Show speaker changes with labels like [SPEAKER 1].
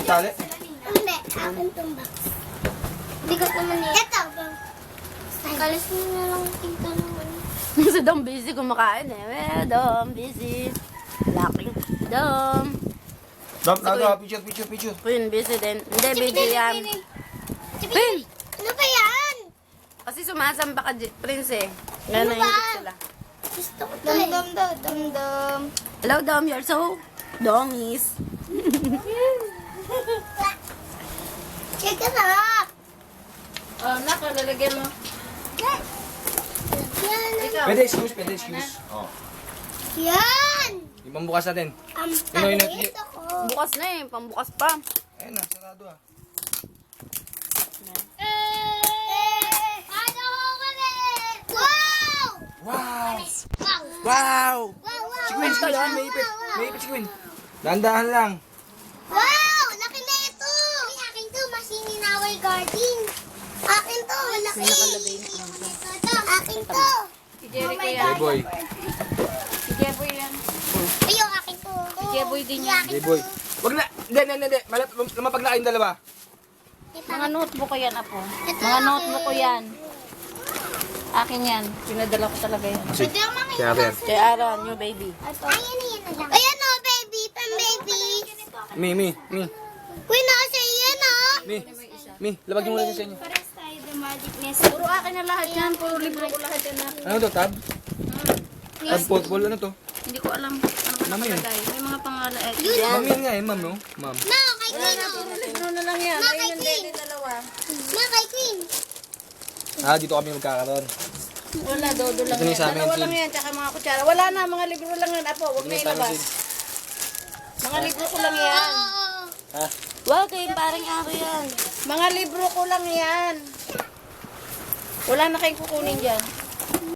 [SPEAKER 1] Tali.
[SPEAKER 2] Hindi, akin itong box. Hindi ko naman eh. Ito. Kalis mo na lang tingka naman.
[SPEAKER 3] Si Dom busy kumakain eh. Well, Dom busy. Laking Dom.
[SPEAKER 1] Dam, naga, picture.
[SPEAKER 3] Queen busy din. Hindi, busy yan. Queen!
[SPEAKER 2] Ano ba yan?
[SPEAKER 3] Kasi sumasamba ka, Prince eh. Nga
[SPEAKER 2] Ano ba?
[SPEAKER 3] naiingit sila.
[SPEAKER 2] Gusto ko to eh. Dam.
[SPEAKER 3] Hello, Dom. You're so dongies.
[SPEAKER 2] Check it out.
[SPEAKER 3] Oh, nako, lalagyan mo.
[SPEAKER 2] Yan.
[SPEAKER 1] Pwede excuse. Oh.
[SPEAKER 2] Yan.
[SPEAKER 1] Yung pambukas natin.
[SPEAKER 2] Ang
[SPEAKER 1] Yun,
[SPEAKER 2] pangit ako.
[SPEAKER 3] Bukas na eh. Pambukas pa.
[SPEAKER 1] Ayun na, sarado ah.
[SPEAKER 2] Ano ko ulit? Wow!
[SPEAKER 1] Wow!
[SPEAKER 2] Wow!
[SPEAKER 1] Wow!
[SPEAKER 2] Wow!
[SPEAKER 1] Si Queen, may ipit. May ipit si Queen. Dahan-dahan lang.
[SPEAKER 2] Wow! Laki na ito! Ay, akin to. Machine in our garden. Akin to. Malaki. Akin to.
[SPEAKER 3] Si Jerry ko
[SPEAKER 1] Hey
[SPEAKER 3] yan.
[SPEAKER 1] boy.
[SPEAKER 3] Si Jeboy yan.
[SPEAKER 2] Ayun, akin to.
[SPEAKER 3] Jeboy din yan.
[SPEAKER 1] Hey boy. Wag na. Hindi. Lumapag na kayong dalawa.
[SPEAKER 3] Mga notebook ko yan, apo.
[SPEAKER 2] Ito,
[SPEAKER 3] Mga
[SPEAKER 2] akin.
[SPEAKER 3] notebook ko yan. Akin yan. Pinadala ko talaga yan.
[SPEAKER 1] Kasi,
[SPEAKER 2] Pwede ang mga
[SPEAKER 1] kaya Aaron.
[SPEAKER 3] Kay Aaron, new baby.
[SPEAKER 2] Ayan na lang. Ayan o, baby. Pang-baby.
[SPEAKER 1] Mi.
[SPEAKER 2] Uy, nasa iyan o.
[SPEAKER 1] Mi, labag yung muna sa inyo.
[SPEAKER 2] Pares tayo, the magicness.
[SPEAKER 3] Puro akin na lahat yan. Puro libro ko lahat yan.
[SPEAKER 1] Ano to, tab? Tab football, ano to?
[SPEAKER 3] Hindi ko alam. Ano ba
[SPEAKER 1] Mama yun.
[SPEAKER 3] nakalagay? May mga pangalan. Eh,
[SPEAKER 1] Ma'am yan nga eh, ma'am no? Ma'am.
[SPEAKER 2] Ma, kay Queen o.
[SPEAKER 3] puro libro na lang yan.
[SPEAKER 2] Ma,
[SPEAKER 3] Ayun
[SPEAKER 2] kay
[SPEAKER 3] yung
[SPEAKER 2] Queen.
[SPEAKER 3] dede dalawa.
[SPEAKER 2] Ma, kay Queen.
[SPEAKER 1] Ah, dito kami magkakaroon.
[SPEAKER 3] Wala, dodo lang
[SPEAKER 1] Ito na
[SPEAKER 3] yan.
[SPEAKER 1] yung sa amin,
[SPEAKER 3] Dalawa
[SPEAKER 1] Sid.
[SPEAKER 3] lang yan, tsaka mga kutsara. Wala na, mga libro lang yan. Apo, huwag na ilabas. Mga libro ko lang yan.
[SPEAKER 2] Oo.
[SPEAKER 1] Ha?
[SPEAKER 3] Wow, kay parang ari yan. Mga libro ko lang yan. Wala na kayong kukunin dyan.